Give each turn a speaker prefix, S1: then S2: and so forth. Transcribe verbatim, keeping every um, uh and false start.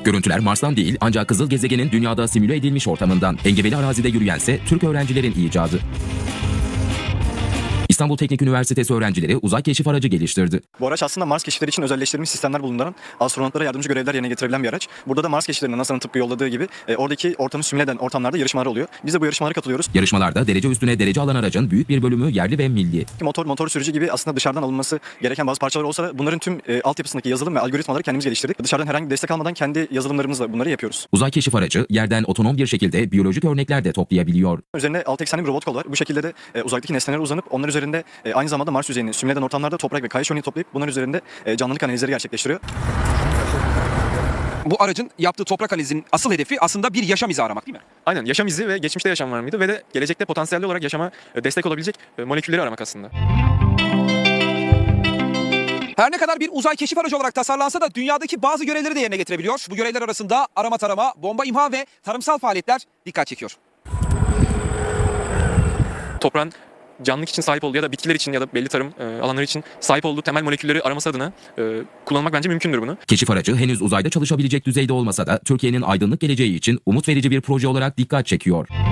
S1: Görüntüler Mars'tan değil ancak Kızıl Gezegen'in dünyada simüle edilmiş ortamından. Engebeli arazide yürüyense Türk öğrencilerin icadı. İstanbul Teknik Üniversitesi öğrencileri uzay keşif aracı geliştirdi.
S2: Bu araç aslında Mars keşifleri için özelleştirilmiş sistemler bulunduran, astronotlara yardımcı görevler yerine getirebilen bir araç. Burada da Mars keşiflerinde NASA'nın tıpkı yolladığı gibi e, oradaki ortamı simüle eden ortamlarda yarışmalar oluyor. Biz de bu yarışmalara katılıyoruz.
S1: Yarışmalarda derece üstüne derece alan aracın büyük bir bölümü yerli ve milli.
S2: Motor, motor sürücü gibi aslında dışarıdan alınması gereken bazı parçalar olsa da bunların tüm e, altyapısındaki yazılım ve algoritmaları kendimiz geliştirdik. Dışarıdan herhangi bir destek almadan kendi yazılımlarımızla bunları yapıyoruz.
S1: Uzay keşif aracı yerden otonom bir şekilde biyolojik örnekler de toplayabiliyor.
S2: Üzerinde altı eksenli bir robot kol var. Bu şekilde de e, uzaktaki nesnelere uzanıp onlar üzerinde e, aynı zamanda Mars yüzeyini simüle eden ortamlarda toprak ve kayış örneği toplayıp bunların üzerinde e, canlılık analizleri gerçekleştiriyor.
S3: Bu aracın yaptığı toprak analizinin asıl hedefi aslında bir yaşam izi aramak değil mi?
S4: Aynen, yaşam izi ve geçmişte yaşam var mıydı ve de gelecekte potansiyelli olarak yaşama destek olabilecek molekülleri aramak aslında.
S3: Her ne kadar bir uzay keşif aracı olarak tasarlansa da dünyadaki bazı görevleri de yerine getirebiliyor. Bu görevler arasında arama tarama, bomba imha ve tarımsal faaliyetler dikkat çekiyor.
S4: Toprağın canlılık için sahip olduğu ya da bitkiler için ya da belli tarım e, alanları için sahip olduğu temel molekülleri araması adına e, kullanmak bence mümkündür bunu.
S1: Keşif aracı henüz uzayda çalışabilecek düzeyde olmasa da Türkiye'nin aydınlık geleceği için umut verici bir proje olarak dikkat çekiyor.